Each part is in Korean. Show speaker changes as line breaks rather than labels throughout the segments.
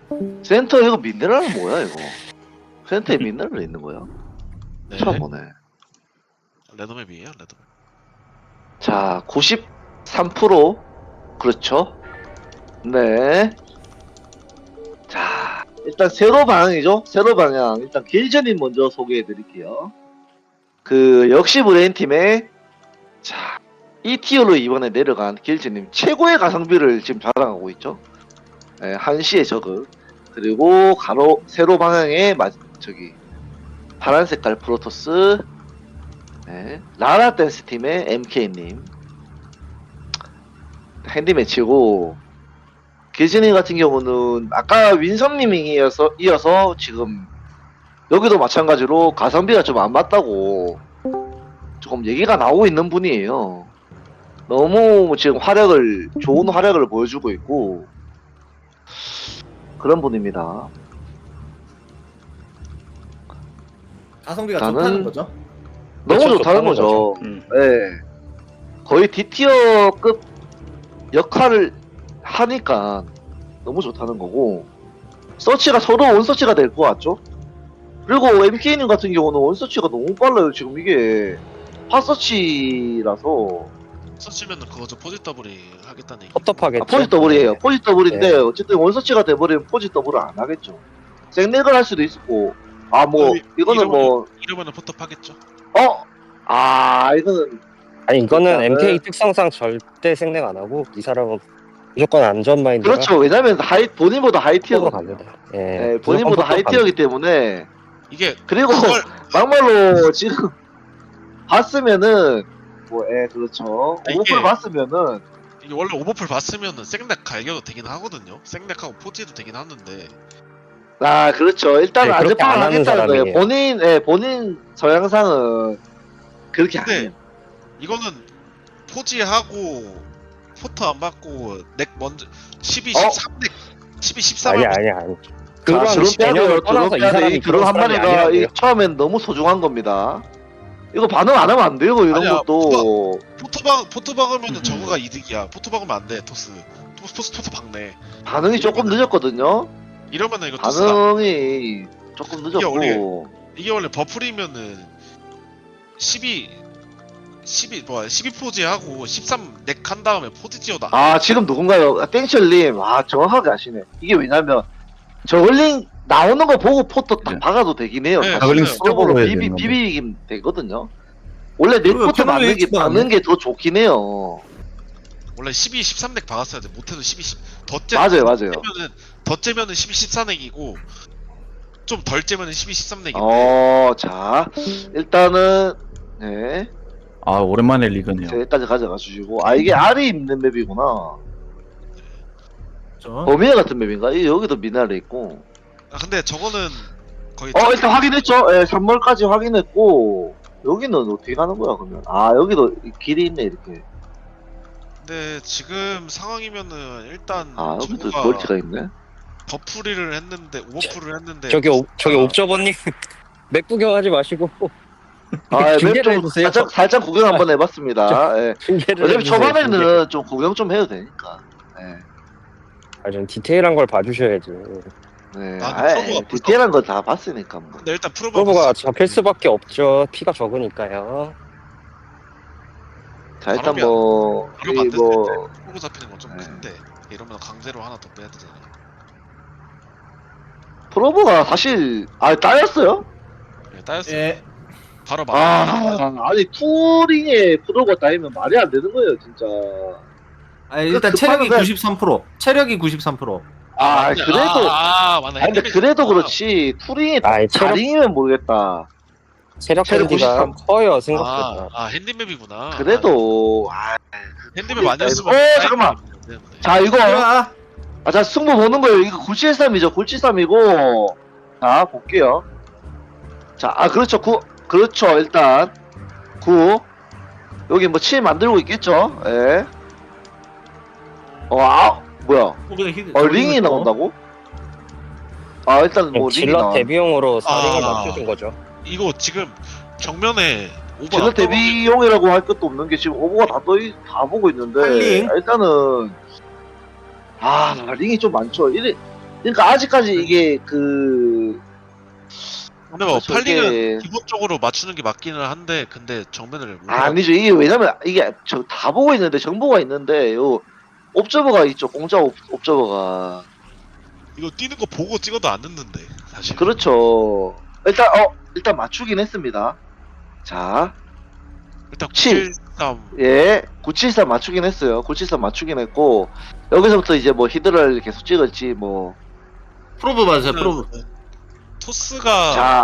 센터 이거 미네랄은 뭐야 이거? 센터에 미네랄이 있는 거야?
네.
처음 보네.
레드맵이에요, 레드맵.
자, 93% 그렇죠? 네. 자, 일단 세로 방향이죠? 세로 방향. 일단 길전님 먼저 소개해 드릴게요. 그 역시 브레인 팀의 자, 2티어로 이번에 내려간 길전님 최고의 가성비를 지금 자랑하고 있죠. 네, 한시의 저그. 그리고 가로 세로 방향의 저기 파란 색깔 프로토스. 네, 라라 댄스 팀의 MK님. 핸디매치고 길진이 같은 경우는 아까 윈섬님이 이어서 지금 여기도 마찬가지로 가성비가 좀 안 맞다고 조금 얘기가 나오고 있는 분이에요. 너무 지금 좋은 활약을 보여주고 있고 그런 분입니다.
가성비가
나는
좋다는 거죠?
너무
그렇죠,
좋다는
좋다는
거죠.
거죠.
네. 거의 D티어급 역할을 하니까 너무 좋다는 거고 서치가 서로 원서치가 될 것 같죠? 그리고 MK님 같은 경우는 원서치가 너무 빨라요. 지금 이게 핫서치라서
서치면은 그거죠, 포지 더블이 하겠다는 얘기.
텁텁하겠죠.
포지 더블이에요.
네.
포지 더블인데
네.
어쨌든 원서치가 돼버리면 포지 더블을 안 하겠죠. 생렉을 할 수도 있고 뭐 이거는 뭐
이러면은 포탑하겠죠.
이거는
아니 이거는
일단은-
MK 특성상 절대 생략 안 하고 이 사람은 무조건 안전 마인드가
그렇죠. 왜냐면 본인보다 하이
로
티어거든요.
갑니다.
네, 본인보다 하이
무조건
티어이기 때문에
이게
그리고
그걸
막말로 지금 봤으면은 그렇죠.
이게-
오버풀 봤으면은
이게 원래 오버풀 봤으면은 생렉 갈겨도 되긴 하거든요. 생렉하고 포지도 되긴 하는데
그렇죠. 일단
네,
안전
그렇게 안
파악을
하는
하겠다는 거예요.
사람이에요.
본인 저양상은 그렇게 안
근데
해요.
이거는 포지하고 포트 안 받고 넥 먼저 12,
어?
13넥 12, 13
아니
하면
아니. 그런
드론 빼야 돼요.
개념을
드론
떠나서 이
빼야 돼.
사람이
이 드론 한
그런 사람이
마리가
아니라고요.
처음엔 너무 소중한 겁니다. 이거 반응 안 하면 안 돼요. 이런
아니야,
것도.
포트 박으면은 저거가 이득이야. 포트 박으면 안 돼. 토스 박네.
반응이 조금 늦었거든요.
이러면은 이거 토스다.
반응이 조금
이게 원래-
늦었고.
이게 원래 버플이면은 12 포지 하고 13넥 한 다음에 포지 지어다.
지금 누군가요? 땡철님. 정확하게 아시네. 이게 왜냐면 저글링 나오는 거 보고 포토 딱
네.
박아도 되긴 해요.
네,
저글링
맞아요.
쪽으로
해야 되는 건데.
비비긴 되거든요. 원래
그리고
넥포트
캐논
맞는
웨이츠도 안
게 더 좋긴 해요.
원래 12, 13넥 박았어야 돼. 못해도 12, 10. 더 째면은 12, 14넥이고 좀 덜 째면은 12, 13넥인데.
자, 일단은 네,
오랜만에 리그네요.
여기까지 가져가 주시고. 이게 R이 있는 맵이구나.
그렇죠?
범위에 같은 맵인가? 여기도 미나리 있고.
근데 저거는 거의
일단 확인했죠. 3월까지 확인했고. 여기는 어떻게 가는 거야 그러면? 여기도 길이 있네 이렇게.
근데 지금 상황이면은 일단
여기도
저거가
멀티가 있네.
버프리를 했는데 오버풀을 했는데
저기 옵저버님 맥 구경하지 마시고
맵
중계를
좀
해주세요.
살짝 구경 한번 해봤습니다.
중계를
어차피
해주세요, 중계.
초반에는 좀 구경 좀 해도 되니까.
좀 디테일한 걸 봐주셔야지.
디테일한 거 다 봤으니까 뭐.
근데 일단
프로브가 잡힐 수밖에 없죠. 피가 적으니까요.
자, 일단
바로
뭐
프로브 잡히는 건 좀
네.
큰데 이러면 강제로 하나 더 빼야 되잖아.
프로브가 사실 따였어요?
네, 따였어.
예.
바로 막.
아니 투링에 프로브가 따이면 말이 안 되는 거예요 진짜.
일단
그
체력이
급하게
93%. 체력이 93%.
그래도
맞네.
근데 그래도 그렇지 투링에
체력,
다링이면 모르겠다.
체력
체력
밴디가
93.
커요 생각보다.
핸디맵이구나.
그래도
핸디맵 아니었으면.
잠깐만.
되는데.
자 이거
자,
자 승부 보는 거예요. 이거 973이죠. 973이고 자 볼게요. 자 그렇죠. 그렇죠. 일단 9 여기 뭐 7 만들고 있겠죠. 예. 뭐야? 링이 나온다고? 일단 뭐 링이
질럿
나와.
데뷔용으로 4링을
아.
맞춰준 거죠.
이거 지금 정면에 오버.
질럿 데뷔용이라고 할 것도 없는 게 지금 오버가 다 보고 있는데
링?
일단은 링이 좀 많죠. 그러니까 아직까지 이게 그
근데 뭐
저게-
팔링은 기본적으로 맞추는 게 맞기는 한데 근데 정면을 못
아니죠. 이게 왜냐면 이게 저 다 보고 있는데 정보가 있는데 요 옵저버가 있죠. 공짜 옵저버가.
이거 뛰는 거 보고 찍어도 안 늦는데 사실.
그렇죠. 일단 맞추긴 했습니다. 자,
일단
7.
973
예, 973 맞추긴 했어요. 973 맞추긴 했고 여기서부터 이제 뭐 히드라를 계속 찍을지 뭐.
프로브 맞으세요. 프로브.
토스가
자,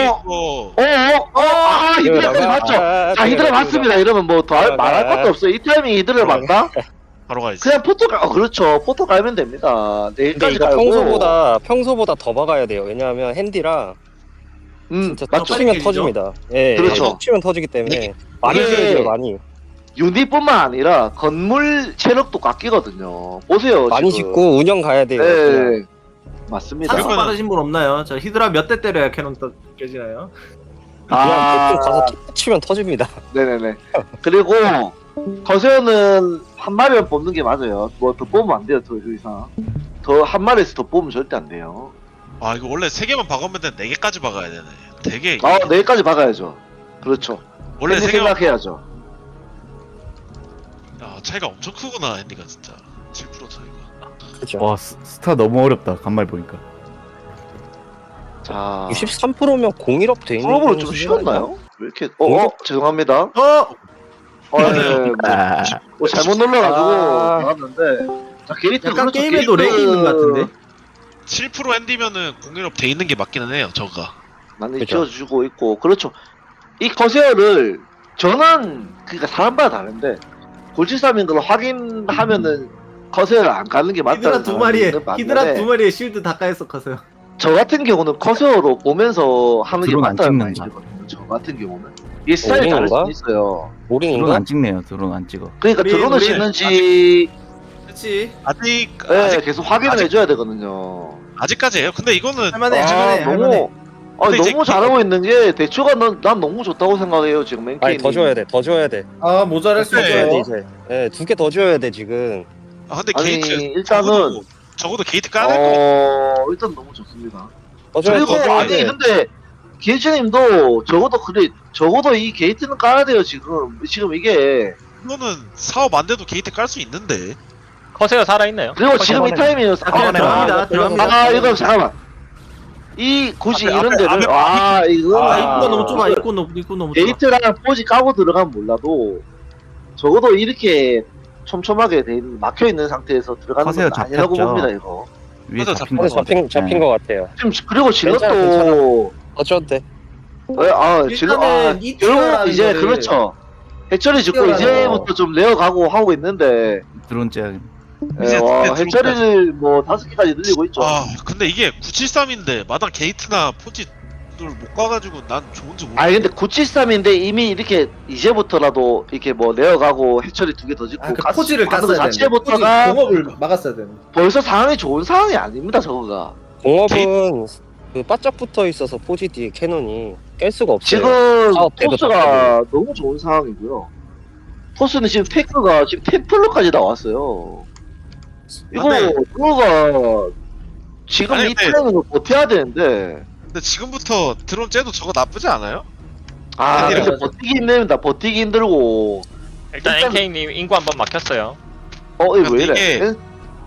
히드라까지 맞죠? 자, 히드라 맞습니다. 이러면 뭐 더 말할 것도 없어요. 이 타이밍 히드라 맞다?
바로 가야지.
그냥 그렇죠. 포토 깔면 됩니다.
근데
내일까지
이거
깔고.
평소보다 더 박아야 돼요. 왜냐하면 핸디라 진짜
맞죠.
툭 치면
빨리
터집니다. 예,
그렇죠.
툭 치면 터지기 때문에 많이
이게-
지어야 돼요. 많이.
유닛뿐만 아니라 건물 체력도 깎이거든요. 보세요.
많이
지금.
짓고 운영 가야 돼요. 그냥.
네, 맞습니다.
산소
그러면은-
빠르신 분 없나요? 저 히드라 몇 대 때려야 캐논 또 깨지나요?
그냥
아,
대충 가서 툭 치면 터집니다.
네네네. 그리고 거세어는 한 마리만 뽑는 게 맞아요. 뭐 더 뽑으면 안 돼요. 더 이상. 더 한 마리에서 더 뽑으면 절대 안 돼요.
아 이거 원래 3개만 박으면 되는데 4개까지 박아야 되네. 되게
내일까지 박아야죠. 그렇죠.
원래
핸디
3개만
생각해야죠.
차이가 엄청 크구나 핸디가 진짜 7% 차이가.
그렇죠.
와 스타 너무 어렵다 간말 보니까.
자,
63%면 01업 돼 있는
프로브를 좀
수준 아니야?
쉬웠나요? 왜 이렇게? 죄송합니다. 뭐 잘못 눌러가지고
아.
나왔는데. 자, 게이트
약간
그렇죠.
게임에도 렉이 있는 것 같은데.
7% 핸디면은 01업 돼 있는 게 맞기는 해요 저가.
많이
그죠.
지어주고 있고 그렇죠. 이 커세어를 저는 그러니까 사람마다 다른데 골치삼인 걸 확인하면은 커세어를 안 가는 게 맞다는
히드라 두 마리에
사람도
히드라
있는데
두 마리에 실드 다 까였어 커서요.
저 같은 경우는 커세어로 보면서 하는 게
드론 안
맞다는
찍는다.
말이거든요. 저 같은 경우는 이 스타일이 다를 수
오링인가?
있어요.
드론
올인인가?
안 찍네요. 드론 안 찍어.
그러니까
우리-
드론을
우리-
찍는지
그렇지.
예, 계속 확인을 해줘야 되거든요.
아직까지예요. 근데 이거는
할만해 할만해 할만해.
근데 이제
너무 잘하고 있는 게 대처가 난 너무 좋다고 생각해요 지금 맨케이.
아니 더 줘야 돼. 더 줘야 돼.
아 모자랄 수
네.
더 줘야 돼
있어요.
이제. 예, 2개 더 줘야 돼 지금.
근데
아니,
게이트
일단은
적어도 게이트 까야 될 거.
일단 너무 좋습니다.
더 줘야 돼.
그리고
더 줘야
아니
돼.
근데 기회님도 적어도 이 게이트는 깔아야 돼요 지금 이게.
이거는 사업 안 돼도 게이트 깔 수 있는데.
커세어 살아있나요?
그리고 지금 이 타이밍은
들어갑니다. 들어갑니다.
이거 잠깐만. 굳이
앞에,
이런
앞에,
데를
앞에.
이거
입구가 너무 좁아. 입구 너무 좁아.
게이트랑 포지 까고 들어가면 몰라도 적어도 이렇게 촘촘하게 막혀 있는 상태에서 들어가는
커세어
건 아니라고
잡혔죠.
봅니다 이거.
위에
맞아,
잡힌
근데
거
잡힌 거 같아요.
지금 그리고
괜찮아,
질럿도
더 줘도 돼.
일단은 이
결국
티어라는
이제
거를-
그렇죠. 해처리 짓고
티어라는
이제부터 좀 레어가고 하고 있는데
드론 째야.
이제 근데
해처리를 뭐 5개까지 늘리고 있죠.
근데 이게 973인데 마당 게이트나 포지를 못 가가지고 난 좋은지 모르겠어.
아니 근데 973인데 이미 이렇게 이제부터라도 이렇게 뭐 레어가고 해처리 2개 더 짓고
그 포지를
가는
깠어야 돼.
자체부터가
공업을 막았어야 돼.
벌써 상황이 좋은 상황이 아닙니다 저거가.
공업은 그 바짝 붙어 있어서 포지 뒤에 캐논이 깰 수가 없어요.
지금
사업 때도
토스가 너무 좋은 상황이고요. 토스는 지금 테크가 지금 템플러까지 나왔어요. 이거가 지금
아니,
이
근데-
타이밍을 버텨야 되는데
근데 지금부터 드론 째도 저거 나쁘지 않아요?
근데
맞아.
버티기 힘듭니다. 버티기 힘들고
일단
일단-
NK님 인구 한번 막혔어요.
이거 왜 이래?
이게-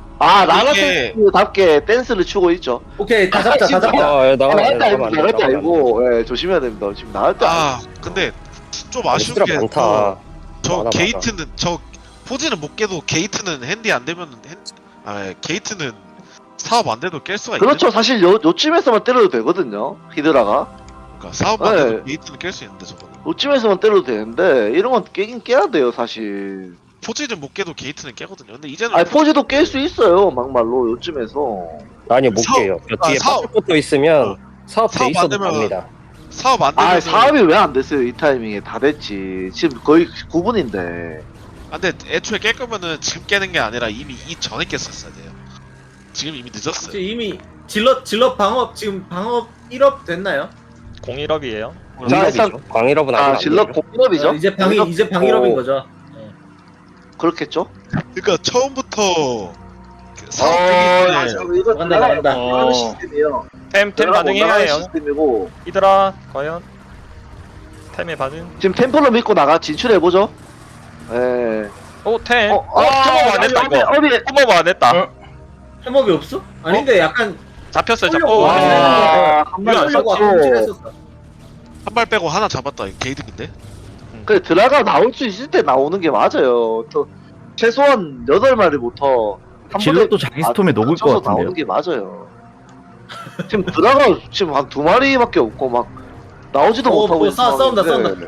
라라테스답게 댄스를 추고 있죠.
오케이 다 잡자 다 잡자.
나가면 안 돼.
나갈 때 아니고 조심해야 됩니다. 지금 나갈 때
근데 좀 아쉬운
시드라
게
많다.
저
많아,
게이트는 저 포지는 못 깨도 게이트는 핸디 안 되면 게이트는 사업 안 돼도 깰 수가
그렇죠. 사실 요쯤에서만 때려도 되거든요. 히드라가
그러니까 사업 안
네.
돼도 게이트는 깰 수 있는데 저거는
요쯤에서만 때려도 되는데 이런 건 깨긴 깨야 돼요 사실.
포지는 못 깨도 게이트는 깨거든요. 근데 이제는
아니 포지도 깰 수 있어요 막말로 요쯤에서.
아니 못
사업-
깨요. 뒤에
사업-
바짝 붙어 있으면 사업 돼
사업 안
있어도
되면-
갑니다.
사업 안 되면
사업이 왜 안 됐어요 이 타이밍에. 다 됐지. 지금 거의 9분인데.
근데 애초에 깰 거면은 지금 깨는 게 아니라 이미 전에 깼었어야 돼요. 지금 이미 늦었어요.
지금 이미 질럿 방업 지금 방업 1업 됐나요?
01업이에요.
자, 일단-
광일업은 아직 안
질럿
돼요.
공업이죠.
이제 방일업인 거죠.
그렇겠죠.
그러니까 처음부터 사업 되기
이거
나간다, 나간다.
하는 시스템이에요.
템
들어가고
반응해야
올라가는
해요.
시스템이고
히드라 과연 템의 반응.
지금 템플러 믿고 나가 진출해 보죠. 예.
오 템.
어,
템업 안 했다 이거.
어비
템업 안 했다.
해먹이 없어? 아닌데 약간
잡혔어요.
쏠려고.
잡고.
와.
와,
이거
한발
하려고 아까
쐈죠.
움찔했었다.
한 발 빼고 하나 잡았다. 이거 개이득인데.
그래 드라가 나올 수 있을 때 나오는 게 맞아요. 또 최소한 8마리부터 한
질럿도 자기 스톰에 녹을 것
맞춰서
같은데요.
나오는 게 맞아요. 지금 드라가 지금 한 2마리밖에 없고 막 나오지도 못하고 있는
싸운다,
상황인데.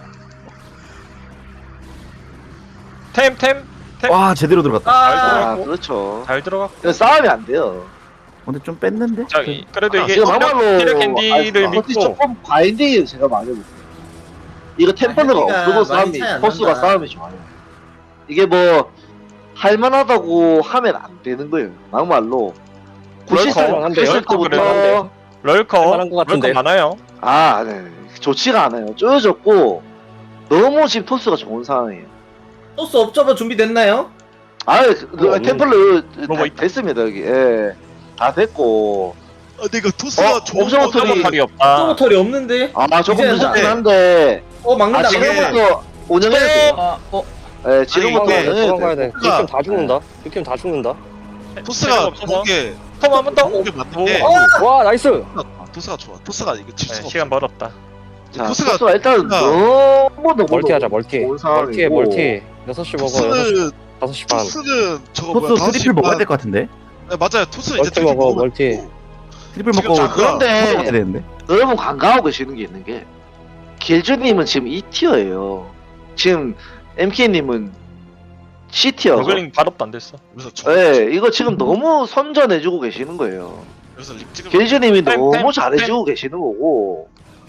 템.
와 제대로 들어갔다.
아 그렇죠.
잘 들어가.
그래서 싸움이 안 돼요.
근데 좀 뺐는데?
자, 그래도 이게
지금 막말로
티력 캔디를
아니,
믿고
조금 과잉되게 제가 많이 못해요. 이거 템플러가
캔디가
없어도
많이
싸움이
차이 안
포스가
난다.
싸움이 좋아요. 이게 뭐 할만하다고 하면 안 되는 거예요. 막말로.
할만한데요?
90세부터
럴커.
할만한 것 같은데.
럴커 많아요.
네. 좋지가 않아요. 쪼여졌고 너무 지금 토스가 좋은 상황이에요.
소스 업저버 준비됐나요?
템플러
로봇 있다.
됐습니다 여기. 예. 다 됐고.
근데 이거 토스가 좋은
옵션
거
오토리-
털이 없다.
서버털이 없는데?
조금
이제는
늦었긴
다-
한데
막는다.
지금부터 운영해야 돼요. 예, 지금부터
이게
운영해야
도망가야
돼요.
돼. 느낌 다 죽는다. 느낌 다 죽는다.
토스가
없어서.
좋은 게
톰 한 번 더.
좋은 게 맞는 게
와 나이스.
토스가 좋아. 토스가 이거 질
네,
수가
시간 벌었다.
자,
토스가
토스가 일단
토스가-
너무
멀티하자 멀티.
좋은 상황이고.
멀티에 멀티. 6시 먹어.
토스는
5시 반.
토스는 저거
토스
뭐야,
트리플
5시
먹어야
반.
될 것 같은데?
네, 맞아요. 토스는 이제
멀티
트리플
먹어,
먹으면
멀티.
되고.
트리플
지금
먹고
잠깐-
그런데
먹어야 되는데?
여러분 간과하고 계시는 게 있는 게 길주님은 지금 2티어예요. 지금 MK님은 C티어죠.
저글링 발업도 안 됐어.
그래서 저
네, 이거 지금 너무 선전해주고 계시는 거예요.
그래서 립 찍으면
길주님이
템,
너무
템,
잘해주고 계시는 거고.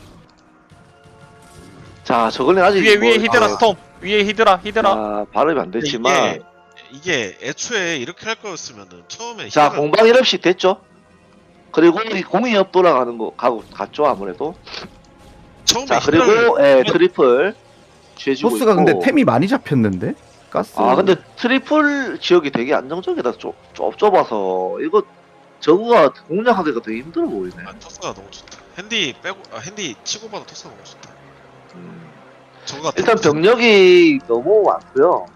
자, 저걸링 아직
위에
뭐-
히드라 스톰. 위에 히드라.
발음이 안 됐지만.
이게 애초에 이렇게 할 거였으면은 처음에
자,
히드라-
공방 1업씩 됐죠? 그리고 이 공이업 돌아가는 거 갔죠, 아무래도.
처음에
자,
히드라를
그리고 트리플 취해주고
토스가
있고.
근데 템이 많이 잡혔는데? 가스
근데 트리플 지역이 되게 안정적이다. 좁아서 이거 저거가 공략하기가 되게 힘들어 보이네.
토스가 너무 좋다. 핸디 빼고 핸디 치고 봐도 토스가 너무 좋다.
음.
저거가
일단
되게
병력이 너무 많고요.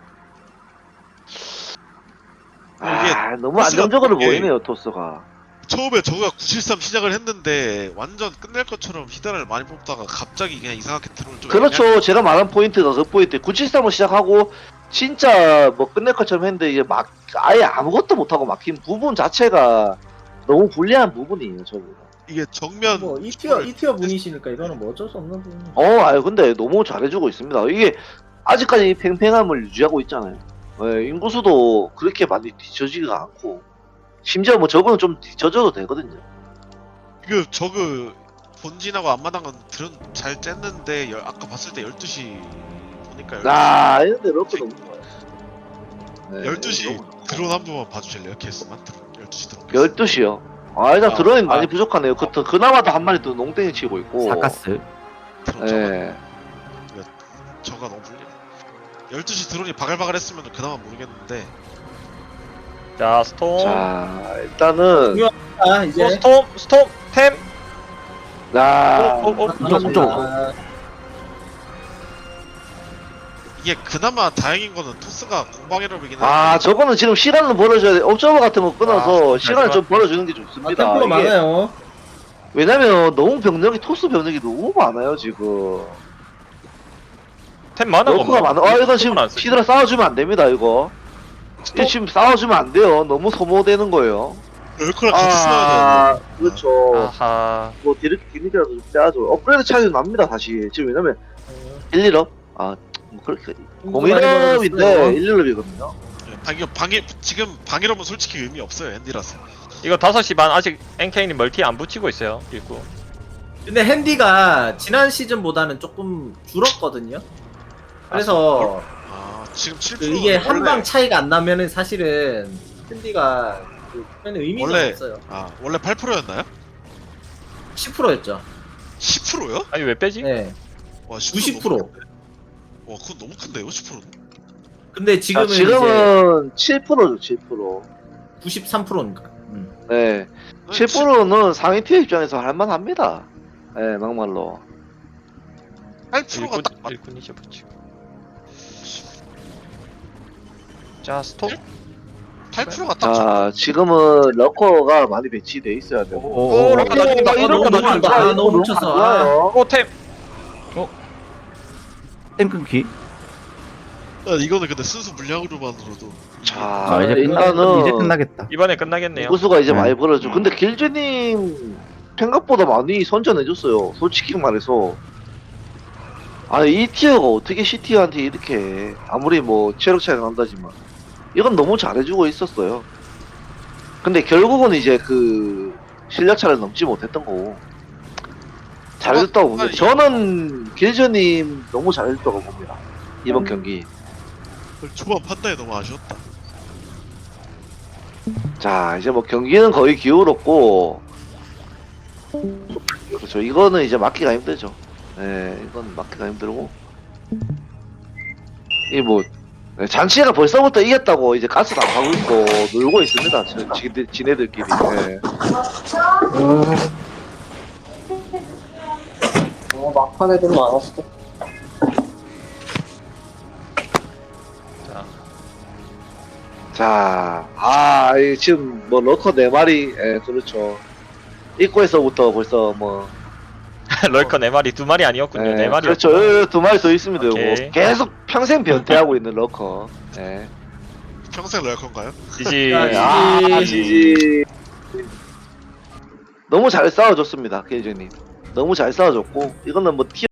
너무
토스가
안정적으로
되게-
보이네요, 토스가.
처음에 저거가 973 시작을 했는데 완전 끝낼 것처럼 히드라를 많이 뽑다가 갑자기 그냥 이상하게 들어올 좀
그렇죠. 제가 말한 포인트가 그 포인트. 973을 시작하고 진짜 뭐 끝낼 것처럼 했는데 이게 막 아예 아무것도 못하고 막힌 부분 자체가 너무 불리한 부분이에요, 저거가.
이게 정면
뭐 2티어 분이시니까 이거는 뭐 어쩔 수 없는 부분이죠.
근데 너무 잘해주고 있습니다. 이게 아직까지 이 팽팽함을 유지하고 있잖아요. 인구수도 그렇게 많이 뒤처지가 않고, 심지어 뭐 저거는 좀 뒤처져도 되거든요.
그 저그 본진하고 앞마당은 드론 잘 쬐는데 아까 봤을 때 12시 보니까
이런데 럭크 너무 좋아요.
12시
너무 좋아요.
드론 한 번만 봐주실래요? 케이스만 드론 12시 드론
12시요. 일단 드론이 많이
아.
부족하네요. 그나마도 한 마리 또 농땡이 치고 있고.
사가스
드론
예.
저가 너무 불리네 12시 드론이 바글바글 했으면 그나마 모르겠는데
자 스톰.
자, 일단은,
이제
스톰 템.
감사합니다.
이게 그나마 다행인 거는 토스가 공방이라이긴 한데
저거는 지금 시간을 벌어줘야 돼. 옵저버 같은 거 끊어서 시간을 좀 벌어주는 게 좋습니다.
템플러
이게
많아요.
왜냐면 너무 토스 병력이 너무 많아요, 지금.
템 많아.
러커가 많아. 이거 지금 히드라 싸워주면 안 됩니다, 이거. 이거 지금 싸워주면 안 돼요. 너무 소모되는 거예요.
럴커랑 같이 싸워야 돼
그렇죠.
아하.
뭐 디렉이라도 좀 빼야죠. 업그레이드 차이도 납니다, 다시. 지금 왜냐면 1, 1업? 뭐 그렇게 01업인데 1, 1업이거든요.
지금 방이라면 솔직히 의미 없어요 핸디라서
이거 5시 반 아직 NK님 멀티 안 붙이고 있어요. 입구.
근데 핸디가 지난 시즌보다는 조금 줄었거든요. 그래서
지금 7%
이게 한 방 차이가 안 나면은 사실은 핸디가 의미가
원래-
없어요.
원래 8%였나요?
10%였죠.
10%요?
아니 왜 빼지?
네.
와
90%.
와 그건 너무 큰데요 10%는
근데 지금은 이제
지금은 7%죠, 7%.
93%니까.
네. 7%는 상위 티어 입장에서 할만합니다. 네, 막말로.
8%가 딱 맞.
일꾼이죠 붙이고. 자 스톱.
8%가 딱 맞.
자, 지금은 러커가 많이 배치돼 있어야 되고.
오, 럭커 나중이다.
이런
럭커
거
나중이다.
안 좋아요.
너무 뭉쳤어. 아.
좋아요.
오템.
템 끊기.
이거는 근데 순수 물량으로만으로도.
자,
이제
일단은
이제 끝나겠다.
이번에 끝나겠네요.
구수가 이제
네.
많이 벌어져. 근데 길즈님 생각보다 많이 선전해줬어요. 솔직히 말해서. 아, 이 티어가 어떻게 C티어한테 이렇게 해. 아무리 뭐 체력 차이가 난다지만 이건 너무 잘해주고 있었어요. 근데 결국은 이제 그 실력 차를 넘지 못했던 거고 잘해줬다고 봅니다. 저는 길즈님 너무 잘해줬다고 봅니다. 이번 경기.
초반 판단이 너무 아쉬웠다.
자, 이제 뭐 경기는 거의 기울었고, 그렇죠. 이거는 이제 막기가 힘들죠. 네, 이건 막기가 힘들고, 이 뭐, 네, 잔치가 벌써부터 이겼다고 이제 가스도 안 하고 있고 놀고 있습니다. 지네들끼리. 네.
막판 애들 많았어.
자,
자, 이 지금 뭐 러커 4마리, 예, 그렇죠. 입구에서부터 벌써 뭐,
럴커 4마리 2마리 아니었군요. 4마리.
그렇죠. 2마리 더 있으면 되고,
오케이.
계속 평생 변태하고 있는 러커. 예.
평생 럴컨가요?
지지.
네, 지지. 너무 잘 싸워줬습니다, 케이저님. 너무 잘 싸워줬고, 이거는 뭐